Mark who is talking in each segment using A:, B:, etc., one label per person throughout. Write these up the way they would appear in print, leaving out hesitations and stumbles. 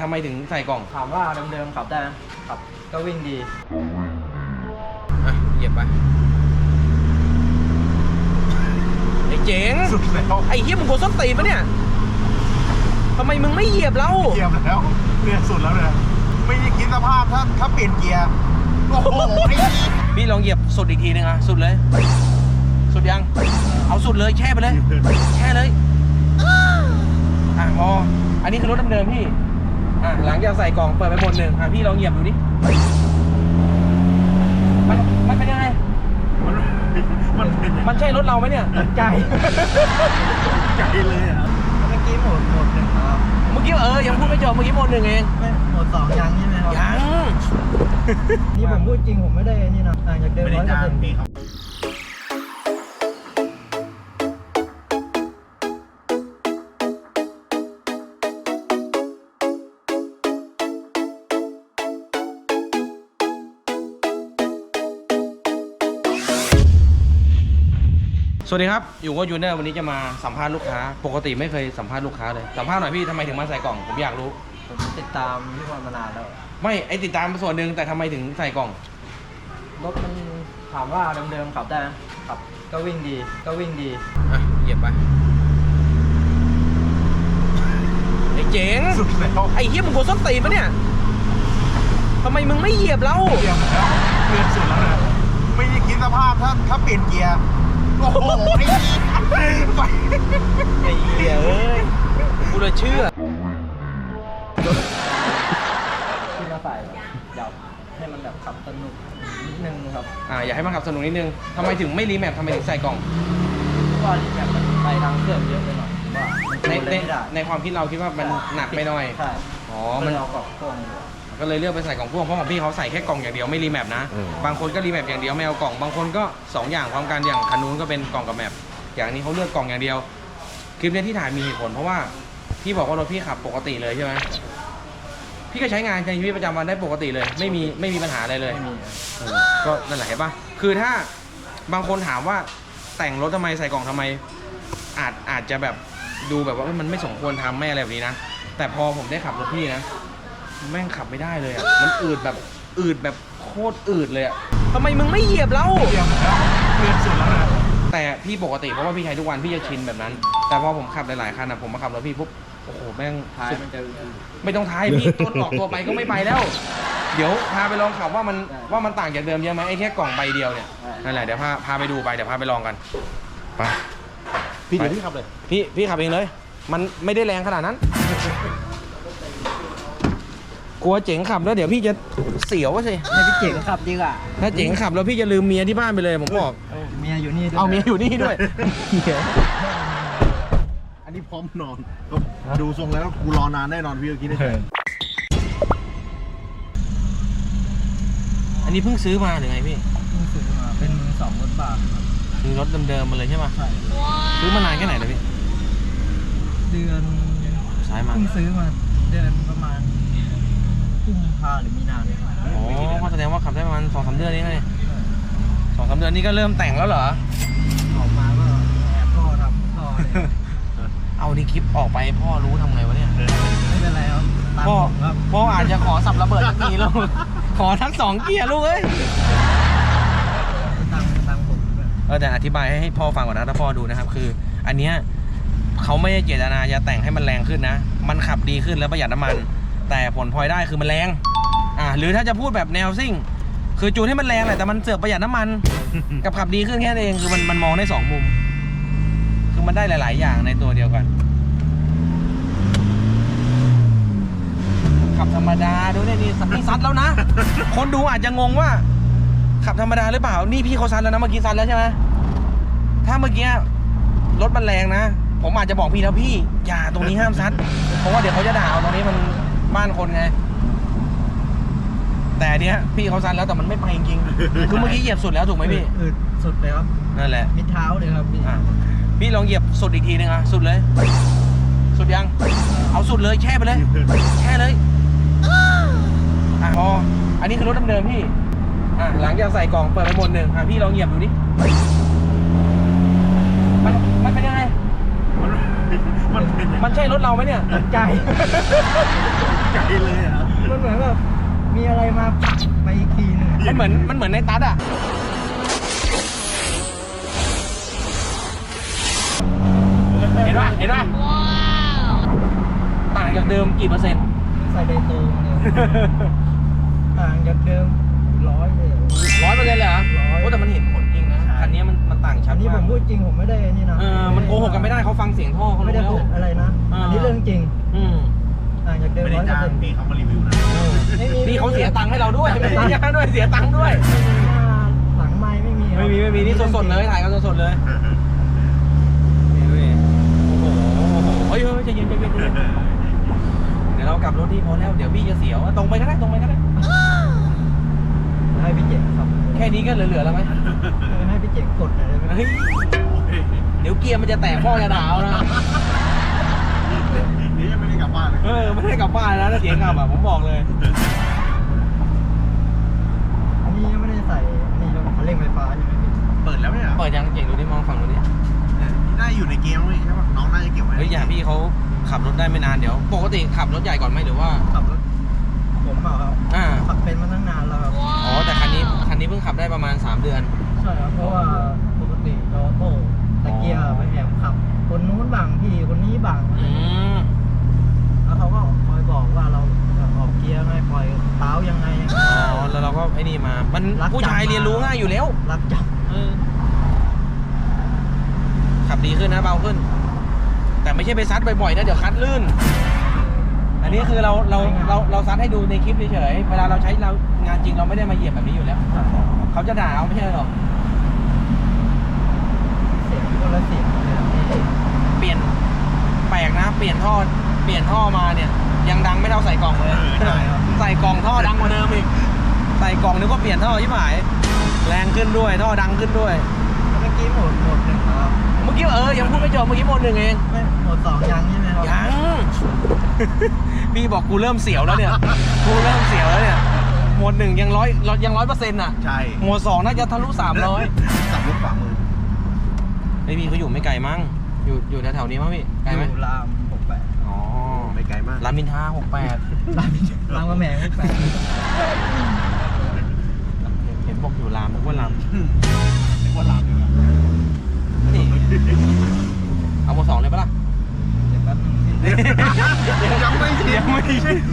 A: ำไมถึงใส่กล่อง
B: ถามว่าเดิมๆขับได้ขับก็วิ่งดี
A: เหยียบไปไอ้เจ๋งสุดแล้วไอ้เหี้ยมึงโกส้นตีนปะเนี่ยทำไมมึงไม่เหยียบเรา
C: เหยียบแล้วเนี่ยสุดแล้วเนี่ยไม่ได้คิดสภาพถ้าเปลี่ยนเกียร์โอ้โห
A: พี่ลองเหยียบสุดอีกทีนึงสุดเลยสุดยังเอาสุดเลยแช่ไปเลยแช่เลยพออันนี้คือรถเดิมๆพี่หลังจากใส่กล่องเปิดไปหมดหนึ่งพี่ลองเหยียบดูดิมันเป็นยังไงมันใช่รถเราไหมเนี่ย
B: ใจ
C: เลยอ่ะ
B: เมื่อกี้หมดหนึ่งครับ
A: เมื่อกี้ยังพูดไม่จบเมื่อกี้หมดหนึ่งเอง
B: ไม่หมดสองยังใช่ไหมครับ
A: ยัง
B: นี่ผมพูดจริงผมไม่ได้นี่นะต่างจากเดิม100%
A: สวัสดีครับอยู่กับยูเนอร์วันนี้จะมาสัมภาษณ์ลูกค้าปกติไม่เคยสัมภาษณ์ลูกค้าเลยสัมภาษณ์หน่อยพี่ทำไมถึงมาใส่กล่องผมอยากรู้
B: ผมติดตามพี่พรมานานแล้ว
A: ไม่ติดตามส่วนหนึ่งแต่ทำไมถึงใส่กล่อง
B: รถมันถามว่าเดิมๆขับได้ขับก็วิ่งดี
A: เหยียบไปไอ้เจ๋ง
C: สุดแล้ว
A: ไอ้เหี้ยมึงโกส้นตีนปะเนี่ยทำไมมึงไม่เหยียบเรา
C: เหยียบแล้วเนี่ยสุดแล้วเนี่ยไม่ได้คิดสภาพถ้าเปลี่ยนเกียร์โอ้โห
A: ไอ้เหี้ยกูเลยเชื่อ
B: ที่มาใส่อยากให้มันแบบขับสนุกนิดนึงครับ
A: อยากให้มันขับสนุกนิดนึงทำไมถึงไม่รีแมปทำไมถึงใส่กล่อง
B: ว่ารีแมปมันไปทางเครื่องเยอะไปหน่อยว่า
A: ในความคิดเราคิดว่ามันหนักไปหน่อย
B: ใช่
A: มัน
B: เอากล่องพ่วง
A: ก็เลยเลือกไปใส่กล่องพ่วงเพราะของพี่เขาใส่แค่กล่องอย่างเดียวไม่รีแมปนะบางคนก็รีแมปอย่างเดียวไม่เอากล่องบางคนก็2อย่างพร้อมกันอย่างคันนู้นก็เป็นกล่องกับแมปอย่างนี้เขาเลือกกล่องอย่างเดียวคลิปนี้ที่ถ่ายมีเหตุผลเพราะว่าพี่บอกว่ารถพี่ขับปกติเลยใช่ไหมพี่ก็ใช้งานในชีวิตประจำวันได้ปกติเลยไม่มีปัญหาอะไรเลยก็นั่นแหละเห็นปะคือถ้าบางคนถามว่าแต่งรถทำไมใส่กล่องทำไมอาจจะแบบดูแบบว่ามันไม่สมควรทำไม่อะไรแบบนี้นะแต่พอผมได้ขับรถพี่นะแม่งขับไม่ได้เลยมันอืดแบบโคตรอืดเลยทำไมมึงไม่เหยียบเรา
C: เหยียบแล้วสุดแล้วนะ
A: แต่พี่ปกติเพราะว่าพี่ใช้ทุกวันพี่จะชินแบบนั้นแต่พอผมขับหลายๆคันผมมาขับรถพี่ปุ๊บโอ้โหแม่ง
B: ท้ายมันจะ
A: ไม่ต้องท้ายพี่ต้นออกตัวไปก็ไม่ไปแล้วเดี๋ยวพาไปลองขับว่ามันต่างจากเดิมเยอะไหมไอ้แค่กล่องใบเดียวเนี่ยนั่นแหละเดี๋ยวพาไปดูไปเดี๋ยวพาไปลองกันไป
C: พี่เดี๋ยวพี่ขับเลย
A: พี่ขับเองเลยมันไม่ได้แรงขนาดนั้นกลัวเจ๋งขับแล้วเดี๋ยวพี่จะเสียวสิ
B: ให้พี่เจ๋งขับดีกว่า
A: ถ้าเจ๋งขับแล้วพี่จะลืมเมียที่บ้านไปเลยผมบอก
B: เมียอยู่นี่ด้วย
A: เอาเมียอยู่นี่ด้วย
C: อันนี้พร้อมนอนดูทรงแล้วกูรอนานแน่นอนพี่เมื่อกี้นี่
A: อันนี้เพิ่งซื้อมาหรือไงพี่
B: เพิ่งซื้อมาเป็น2 รถบ้าน
A: ซื้อรถเดิมๆมาเลยใช่ไหมใช่ซื้อมานานแค่ไหนแล้วพี่
B: เดือน
A: สายมา
B: เพิ่งซื้อมาเดือนประมาณกุมภาหรือมีนาเนี่ย
A: ก็แสดงว่าขับได้ประมาณ2-3 เดือนนี้ไง2-3 เดือนนี้ก็เริ่มแต่งแล้วเหรอ
B: ออกมาก็แอบพ่อทำพ่อเลย
A: เอาดิคลิปออกไปพ่อรู้ทำไงวะเนี่ย
B: ไม่เป็นไรครับ
A: พ่ออาจจะขอสับระเบิดสักทีลูกขอทั้ง2 เกียร์ลูกเอ้ย
B: ตังผม
A: แต่อธิบายให้พ่อฟังก่อนนะถ้าพ่อดูนะครับคืออันเนี้ยเขาไม่ได้เจตนาจะแต่งให้มันแรงขึ้นนะมันขับดีขึ้นแล้วประหยัดน้ำมันแต่ผลพลอยได้คือมันแรงหรือถ้าจะพูดแบบแนวซิ่งคือจูนให้มันแรงแหละแต่มันเสือกประหยัดน้ำมันกับขับดีขึ้นแค่นั้นเองคือมันมองได้2 มุมคือมันได้หลายๆอย่างในตัวเดียวกันขับธรรมดาดูนี่ซัดแล้วนะคนดูอาจจะงงว่าขับธรรมดาหรือเปล่านี่พี่เขาซัดแล้วนะเมื่อกี้ซัดแล้วใช่ไหมถ้าเมื่อกี้รถมันแรงนะผมอาจจะบอกพี่แล้วพี่อย่าตรงนี้ห้ามซัดเพราะว่าเดี๋ยวเขาจะด่าตรงนี้มันบ้านคนไงแต่เนี้ยพี่เขาซัดแล้วแต่มันไม่ไปจริงๆคือเมื่อกี้เหยียบสุดแล้วถูกไหมพี่
B: สุดเลยครับ
A: นั่นแหละ
B: มิดเท้าเลยครับ
A: พี่ลองเหยียบสุดอีกทีนึงสุดเลยสุดยังเอาสุดเลยแช่ไปเลยแช่เลยพออันนี้คือรถเดิมๆพี่หลังจากใส่กล่องเปิดไปหมดหนึ่งพี่ลองเหยียบดูดิมันเป็นยังไงมันใช่รถเราไหมเนี่ย
B: ใจ
C: ใจเลยอ่ะ
B: มันเหมือนแบบมีอะไรมาผลักไปอีกทีหนึง
A: มันเหมือนในตัดอ่ะเห็นป่ะต่างจากเดิมกี่เปอร์เซ็นต์
B: ใส่ไดโตงเนี่ยห่างจากเดิม100เลย
A: 100%เลยเหรอ
B: 100
A: โอ้แต่มันเห็นผลจริงนะคันนี้มันต่างชั
B: อั
A: ด
B: นนี้ผมพูดจริงผมไม่ได้นี่นะ
A: มันโกหกกันไม่ได้เขาฟังเสียงท่อเขา
B: ไม่
A: รู้
B: ได้
A: แล้ว
B: พูดอะไรนะ อันนี้เรื่องจริง
A: อืม
B: ห่างจากเดิม
C: ไม่ได้จ้าง
B: 100%
C: พี่เขามารีวิวนะ
A: นี่เขาเสียตังค์ให้เราด้วยไม่ได้จ้างด้วยเสียตังค์ด้วย
B: ไม่มีหน้าหลังไม้ไม่มีครับ
A: ไม่มีนี่สดๆเลยถ่ายกันสดๆเลยนี่ดูดิโอ้โหเฮ้ยใจเย็นเดี๋ยวเรากลับรถที่พอแล้วเดี๋ยวพี่จะเสียวตรงไปก็ได้
B: ให้พี่เจ๋งครับ
A: แค่นี้ก็เหลือๆแล้วไหม
B: ให้พี่เจ๋งกดหน่อยได้ไหม
A: เฮ้ยเดี๋ยวเกียร์มันจะแตกพ่อจะด่าเอานะ
C: นี่ยังไม่ได้กลับบ้านเลย
A: ไม่ได้กลับบ้านนะถ้าเสียงกลับผมบอกเลย
B: อันนี้ยังไม่ได้ใส่อันนี้คันเร่งไฟฟ้าใช่ไหมพี่
C: เปิดแล้วเนี่ย
A: เปิดยังเก่งดูดิมองฝั่งดูดิ
C: น่าอยู่ในเกมไหมใช่ป่ะน้องน่าจะเก็บไว้
A: เฮ้ยอย่าพี่เขาขับรถได้ไม่นานเดี๋ยวปกติขับรถใหญ่ก่อนไหมหรือว่า
B: ขับรถผมเปล่าครับ ขับเป็นมาตั้งนานแล้วครับ
A: อ๋อแต่คันนี้เพิ่งขับได้ประมาณ3 เดือน
B: ใช่ครับเพราะว่าปกติออโต้ตะเกียร์ไปแอบขับ คนนู้นบังพี่คนนี้บัง
A: อืม
B: แล้วเขาก็คอยบอกว่าเราออกเกียร์ไงปล่อยเท้ายังไง
A: อ๋อแล้วเราก็ไอ้นี่มามันผู้ชายเรียนรู้ง่ายอยู่แล้ว
B: รับจับ
A: ขับดีขึ้นนะเบาขึ้น แต่ไม่ใช่ไปซัดบ่อยๆนะเดี๋ยวคัดลื่น อันนี้คือเราซัดให้ดูในคลิปเฉยๆเวลาเราใช้เรางานจริงเราไม่ได้มาเหยียบแบบนี้อยู่แล้ว เขาจะด่าเอาไม่ใช่หรอก
B: เสียงคนละเสียงเลยครับพี่
A: เปลี่ยนแปลกนะ เปลี่ยนท่อมาเนี่ยยังดังไม่เท่าใส่กล่องเลย
B: ใช่ครับ
A: ใส่กล่องท่อดังกว่าเดิมอีกใส่กล่องนึกว่าเปลี่ยนท่อชิบหายแรงขึ้นด้วยท่อดังขึ้นด้วย
B: เมื่อกี้โหมดหนึ่งครับ
A: เมื่อกี้ยังพูดไม่จบเมื่อกี้โหมด 1เอง
B: ไม่โหมดสองยังใช่ไหมครับ
A: ยัง พี่บอกกูเริ่มเสียวแล้วเนี่ยโหมด 1ยัง100%อ่ะ
C: ใช่
A: โหมด 2น่าจะทะลุ300
C: ขับรถฝ่ามือ
A: ไอพี่เขาอยู่ไม่ไกลมั้งอยู่แถวๆนี้มั้งพี่ไกลไหม
B: อยู่ราม68
A: อ๋อ
C: ไม่ไกลมาก
A: รามอินทรา68
B: รามกำแหง68
A: เห็นบอกอยู่รามนึกว่าลาม
C: นึกว่าลามอยู่นะ
A: นี่เอาโม2เลยปะล่ะ
B: เดี๋ยวแป๊บนึงพี่
C: ยังไม่ชิน
A: ยังไม่ชิน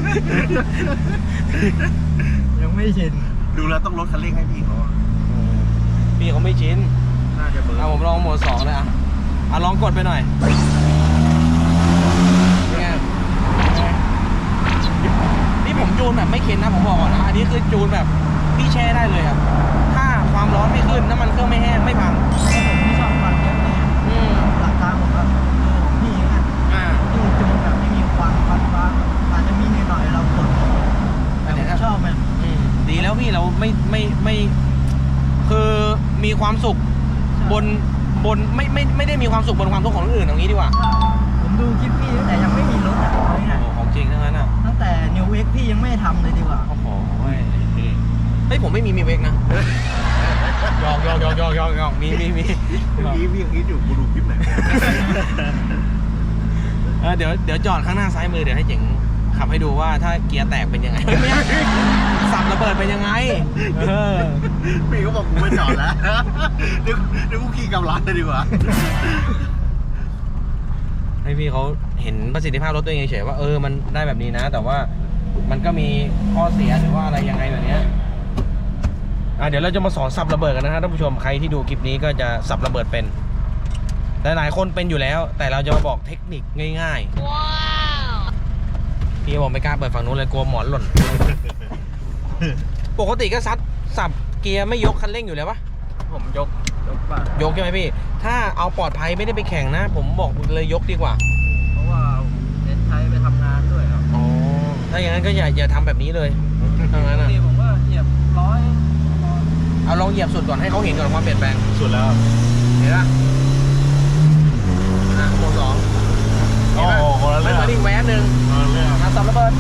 B: ยังไม่ชิน
C: ดูแล้วต้องลดคันเร่งให้พี่เขาอะ
A: พี่เขาไม่ชิน
C: น่าจะเบอร์
A: เอาผมลองโหมด 2เลยอ่ะลองกดไปหน่อยเป็นไงนี่ผมจูนแบบไม่เค็นนะผมบอกก่อนนะอันนี้คือจูนแบบพี่แช่ได้เลยครับถ้าความร้อนไม่ขึ้นน้ำมันเครื่องไม่แห้งไม่พัง
B: ผมไม่ชอบฟันเยอะเนี่ย หลักการผมครับคือของพี่นะ
A: อ่า
B: ที่จูนแบบไม่มีควันฟ้าอาจจะมีนิดหน่อยเรากดแต่ผมชอบมัน
A: ดีแล้วพี่เราไม่คือมีความสุขบนไม่ได้มีความสุขบนความทุกข์ของคนอื่นอย่างนี้ดีกว่า
B: ผมดูคลิปพี่ตั้งแต่ยังไม่มีรถอ่ะเอาง่าย
A: โอ้ของจริงทั้งนั้นอ่ะ
B: ๆตั้งแต่ New X พี่ยังไม่ทำเลยดีกว่า
A: โอ้โหเฮ้ยผมไม่มีเวกนะยอกมี
C: เมื่อกี้พี่ยังคิดอยู่กูดูคลิปไหน
A: เดี๋ยวจอดข้างหน้าซ้ายมือเดี๋ยวให้เจ๋งขับให้ดูว่าถ้าเกียร์แตกเป็นยังไงสับระเบิดเป็นยังไง
C: พี่ก็บอกกูไม่จอดแล้วเดี๋ยวกูขี่กำลังเลยดีกว่า
A: ให้พี่เขาเห็นประสิทธิภาพรถตัวเองเฉยๆว่ามันได้แบบนี้นะ แต่ว่ามันก็มีข้อเสียหรือว่าอะไรยังไงแบบนี้เดี๋ยวเราจะมาสอนสับระเบิดกันนะครับท่านผู้ชมใครที่ดูคลิปนี้ก็จะสับระเบิดเป็นแต่หลายคนเป็นอยู่แล้วแต่เราจะมาบอกเทคนิคง่ายๆว้าวพี่บอกไม่กล้าเปิดฝั่งนู้นเลยกลัวหมอนหล่น ปกติก็สับเกียร์ไม่ยกคันเร่งอยู่แล้วปะ
B: ผมยกบ้าง
A: ยกใช่ไหมพี่ถ้าเอาปลอดภัยไม่ได้ไปแข่งนะผมบอกเลยยกดีกว่า
B: เพราะว่าเน้นใช้ไปทำงานด้วยครับ
A: อ๋อถ้าอย่างนั้นก็อย่าทำแบบนี้เลยถ้างั้น
B: ปกติผมก็เหยียบ100
A: เอาลองเหยียบสุดก่อนให้เขาเห็นก่อนความเปลี่ยนแปลง
C: สุดแล้ว
A: เห็นปะโหมด 2
C: โอ้โหคนละ
A: มั
C: เรื่
A: น
C: อง
A: มาอีกแหวนหนึ่ง
C: คนละเรื่อง
A: สับระเบิด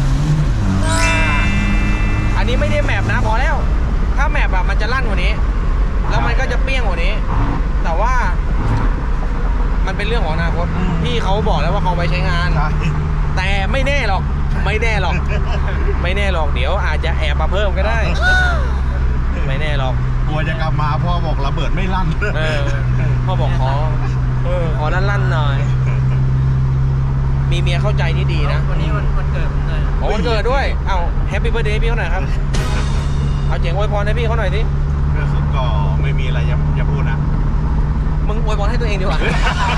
A: อันนี้ไม่ได้แมปนะพอแล้ว ถ้าแมปมันจะลั่นกว่านี้ แล้วมันก็จะเปี้ยงกว่านี้ แต่ว่ามันเป็นเรื่องของอนาคตพี่เขาบอกแล้วว่าเขาไปใช้งาน
C: ใช่
A: แต่ไม่แน่หรอก ไม่แน่หรอก ไม่แน่หรอกเดี๋ยวอาจจะแอบมาเพิ่มก็ได้ ไม่แน่หรอก
C: กลัวจะกลับมาพ่อบอกระเบิดไม่ลั่น
A: พ่อบอกขอลั่นๆหน่อย มีเมียเข้าใจนี่ดีนะ
B: วันนี้วันเกิดผมเลย
A: โอ้วันเกิดด้วยเอ้าแฮปปี้เบิร์ดเดย์พี่เขาหน่อยครับเอาเจ๋งอวยพรให้พี่เขาหน่อยสิ
C: ก็ไม่มีอะไรจะพูดนะ
A: มึงอวยพรให้ตัวเองดีกว่า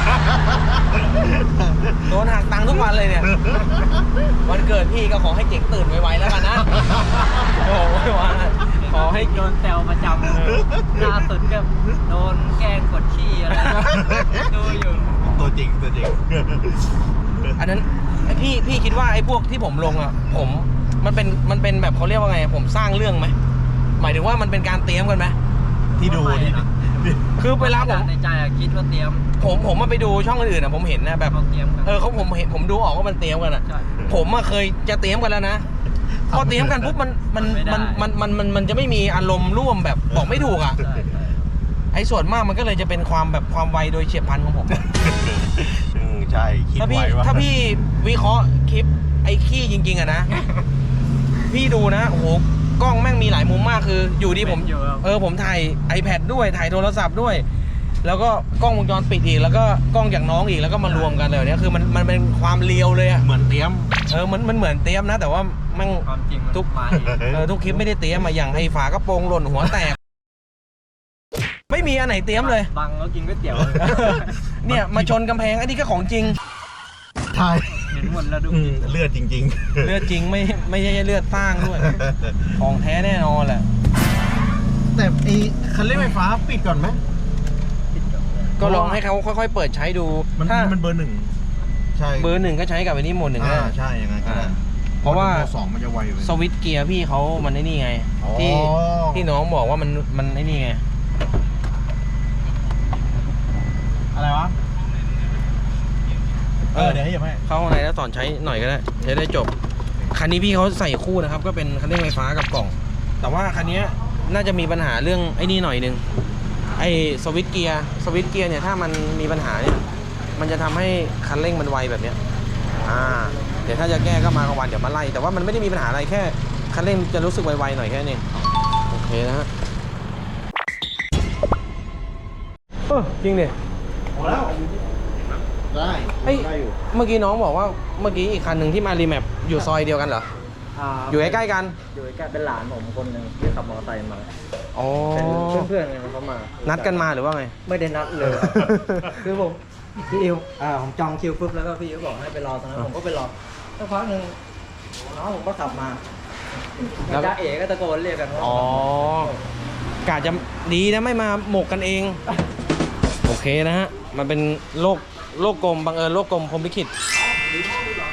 A: โดนหักตังค์ทุกวันเลยเนี่ย วันเกิดพี่ก็ขอให้เจ๋งตื่นไวๆแล้วกันนะ โอ้ยว่าขอให้
B: โดนแซวประจำล่าสุดก็โดนแกล้งกดขี้อะไรดูอยู่
C: ตัวจริง
A: อันนั้นพี่คิดว่าไอ้พวกที่ผมลงอ่ะมันเป็นแบบเขาเรียกว่าไงผมสร้างเรื่องไหมหมายถึงว่ามันเป็นการเตรียมกันไหม
C: ที่ดูที่
A: คือเวลาผม
B: ในใจอะคิดว่าเตรียม
A: ผมมาไปดูช่องอื่นๆอ่ะผมเห็นนะแบบ
B: เขาเตรียมกัน
A: ผมดูออกว่ามันเตรียมกันอ่ะ
B: ใช่
A: ผมอะเคยจะเตรียมกันแล้วนะพอเตรียมกันปุ๊บมันจะไม่มีอารมณ์ร่วมแบบบอกไม่ถูกอ่ะ
B: ใช่ใช่
A: ไอ้ส่วนมากมันก็เลยจะเป็นความไวโดยเฉียบพลันของผม
C: ใช่คิด
A: ถ้าพี่
C: ไว้ว่า
A: ถ้าพี่วิเคราะห์คลิปไอ้ขี้จริงๆอะนะ พี่ดูนะโอ้โหกล้องแม่งมีหลายมุมมากคืออยู่ดีผมถ่าย iPad ด้วยถ่ายโทรศัพท์ด้วย แล้วก็กล้องวงจรปิดอีกแล้วก็กล้องจากน้องอีกแล้วก็มารวมกันเลยเนี่ยคือมันเป็นความเรียวเลยอะ
C: เหมือนเตรียม
A: มันเหมือนเตรียมนะ แต่ว่าแม่ง
B: ความจริงมัน
A: ทุก
B: มา
A: ทุกคลิปไม่ได้เตรียมมาอย่างไอ้ฝากระโปรงหล่นหัวแตก ไม่มีอันไหนเตรียมเลย
B: บังแล้วกินก๋วยเตี๋ยว
A: เนี่ยมาชนกำแพงอันนี้ก็ของจริง
C: ใช่
B: เห็นหมดแล้วดู
C: เลือดจริง
A: เลือดจริงไม่ใช่เลือดสร้างด้วย ของแท้แน่นอนแหละ
C: แต่ไอ้คันเร่งไฟฟ้าปิดก่อนไหม
A: ก็ลองให้เขาค่อยๆเปิดใช้ดู
C: มัน
A: ถ้า
C: มันเบอร์หนึ่งใช่
A: เบอร์หนึ่งก็ใช้กับไอ้นี่โหมดหนึ่งก็ได้
C: ใช่ยังไงก็ได้
A: เพราะว่า
C: เบอร์สองมันจะไวไป
A: สวิตช์เกียร์พี่เขามันไอ้นี่ไง
C: อ๋อ
A: ที่น้องบอกว่ามันไอ้นี่ไง
C: อะไรวะเดี๋ยวให้ยังไง
A: เข้าข้างในแล้วสอนใช้หน่อยก็ได้จะได้จบคันนี้พี่เขาใส่คู่นะครับก็เป็นคันเร่งไฟฟ้ากับกล่อง แต่ว่าคันนี้น่าจะมีปัญหาเรื่องไอ้นี่หน่อยนึงไอ้สวิตช์เกียร์เนี่ยถ้ามันมีปัญหาเนี่ยมันจะทำให้คันเร่งมันไวแบบเนี้ยเดี๋ยวถ้าจะแก้ก็มากลางวันเดี๋ยวมาไล่แต่ว่ามันไม่ได้มีปัญหาอะไรแค่คันเร่งจะรู้สึกไวๆหน่อยแค่นี้โอเคนะฮะจริงดิ
C: พอแล้วได้
A: เฮ้ย
C: ได้อยู่
A: เมื่อกี้น้องบอกว่าเมื่อกี้อีกคันหนึ่งที่มารีแมปอยู่ซอยเดียวกันเหรออยู่ใกล้ๆกัน
B: อยู่ใกล้เป็นหลานผมคนหนึ่งที่ขับมอเตอร์ไซค์มา
A: อ๋อ
B: เป็นเพื่อนๆไงเขามา
A: นัดกันมาหรือว่าไง
B: ไม่ได้นัดเลย คือผมพี่อิวผมจองคิวปุ๊บแล้วก็พี่อิวบอกให้ไปรอตรงนั้นผมก็ไปรอสักพักหนึ่งน้องผมก็ขับมา
A: แล้ว
B: จ้าเอ๋ก็ตะโกนเรียกกันว่า
A: อ๋อกะจะดีนะไม่มาหมกกันเอง โอเคนะฮะ มันเป็นโลกกลมบังเอิญโลกกลมพรหมลิขิต